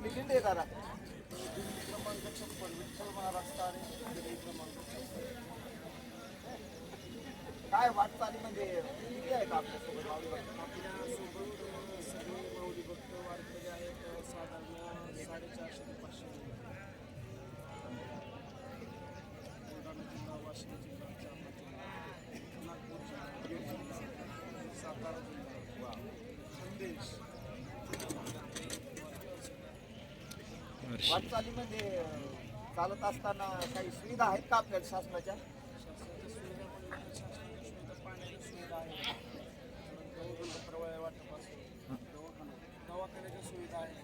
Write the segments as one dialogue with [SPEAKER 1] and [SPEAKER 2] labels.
[SPEAKER 1] कुठली दिंडी आहे दादा? काय वाटचाली म्हणजे किती आहेत आपल्यासोबत माऊली भक्त?
[SPEAKER 2] सगळे माऊली भक्त वारकरी आहेत साधारण 450 ते 500. बुलढाणा जिल्हा, वाशिम जिल्हा, जालना जिल्हा, नागपूर जिल्हा, बीड जिल्हा, सातारा जिल्हा, खानदेश.
[SPEAKER 1] वाटचाली म्हणजे चालत असताना काही सुविधा आहेत का आपल्याला शासनाच्या?
[SPEAKER 2] शासनाच्या सुविधा म्हणजे शासनाच्या सुविधा, पाण्याच्या सुविधा आहेत, प्रवाह वाटपासून दवाखान्याच्या सुविधा आहेत.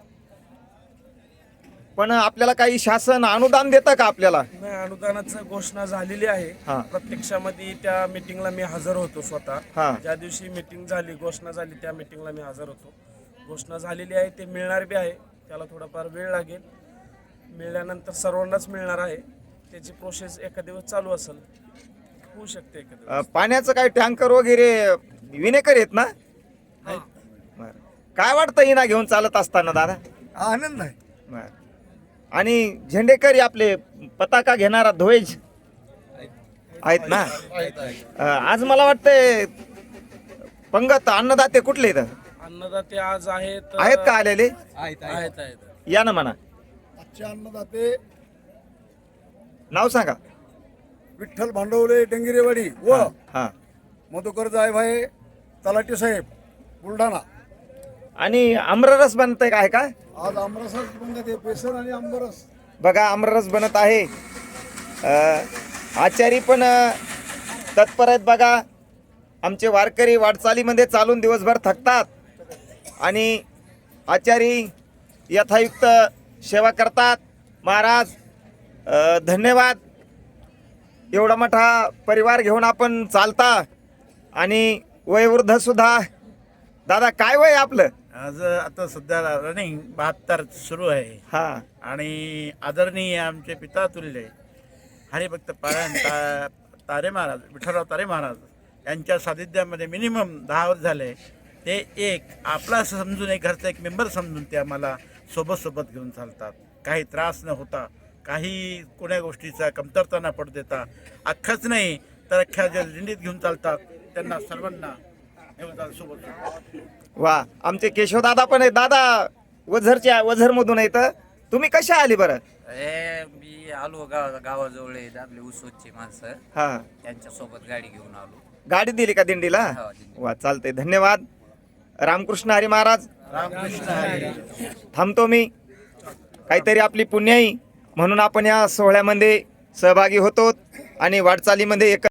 [SPEAKER 1] पण आपल्याला काही शासन अनुदान देतं का आपल्याला?
[SPEAKER 2] नाही, अनुदानाचं घोषणा झालेली आहे.
[SPEAKER 1] हा.
[SPEAKER 2] प्रत्यक्षामध्ये त्या मीटिंगला मी हजर होतो स्वतः.
[SPEAKER 1] हा.
[SPEAKER 2] ज्या दिवशी मीटिंग झाली, घोषणा झाली, त्या मीटिंगला मी हजर होतो. घोषणा झालेली आहे, ते मिळणार बी आहे. त्याला थोडाफार वेळ लागेल. मिळाल्यानंतर सर्वांनाच मिळणार आहे. त्याची प्रोसेस एका दिवस चालू असेल, होऊ शकते एका दिवस.
[SPEAKER 1] पाण्याचं काही टँकर वगैरे विनेकर आहेत ना? बरं. काय वाटतं हिना घेऊन चालत असताना दादा?
[SPEAKER 3] आनंद आहे.
[SPEAKER 1] बरं. आणि झेंडेकरी आपले पताका घेणारा ध्वज आहेत ना? आज मला वाटतंय पंगत अन्नदाते कुठले इथं
[SPEAKER 2] अन्नदाते आज आहेत
[SPEAKER 1] का आलेले?
[SPEAKER 2] आहेत.
[SPEAKER 1] या ना म्हणा,
[SPEAKER 3] आजचे अन्नदाते
[SPEAKER 1] नाव सांगा.
[SPEAKER 3] विठ्ठल भांडवले डेंगिरेवाडी व
[SPEAKER 1] हा.
[SPEAKER 3] मधुकर जायभाई तलाठी साहेब बुलढाणा.
[SPEAKER 1] आणि आम्ररस बनतंय काय का?
[SPEAKER 3] आज आमरसच बनत आहे, बेसन आणि आंबरस.
[SPEAKER 1] बघा आम्ररस बनत आहे. आचारी पण तत्पर आहेत बघा. आमचे वारकरी वाटचालीमध्ये चालून दिवसभर थकतात आणि आचारी यथायुक्त सेवा करतात. महाराज धन्यवाद. एवढा मोठा परिवार घेऊन आपण चालता आणि वयोवृद्ध सुद्धा. दादा काय वय आपलं?
[SPEAKER 4] आज आता सध्या रनिंग 72 सुरू आहे.
[SPEAKER 1] हा.
[SPEAKER 4] आणि आदरणीय आमचे पिता तुल्य हरिभक्त पारायण तारे महाराज, विठ्ठलराव तारे महाराज यांच्या सानिध्यामध्ये मिनिमम 10 वर्ष झाले. ते एक आपला असं समजून, एक घरचा एक मेंबर समजून ते आम्हाला सोबत घेऊन चालतात. काही त्रास न होता, काही कोण्या गोष्टीचा कमतरता न पडू देता, अख्खाच नाही तर अख्ख्या ज्या दिंडीत घेऊन चालतात त्यांना सर्वांना सोबत.
[SPEAKER 1] वा, आमचे केशवदादा पण आहेत. दादा वझरमधून आहेत. तुम्ही कशा आली बरं?
[SPEAKER 5] मी आलो गावाजवळ आहेत आपले उसोदची माणसं,
[SPEAKER 1] हा.
[SPEAKER 5] त्यांच्या सोबत गाडी घेऊन आलो.
[SPEAKER 1] गाडी दिली का दिंडीला?
[SPEAKER 5] हो, दिंडी.
[SPEAKER 1] वा, चालतंय. धन्यवाद. रामकृष्ण हरी महाराज. थांबतो मी. काहीतरी आपली पुण्याई म्हणून आपण या सोहळ्यामध्ये सहभागी होतो आणि वाटचालीमध्ये एक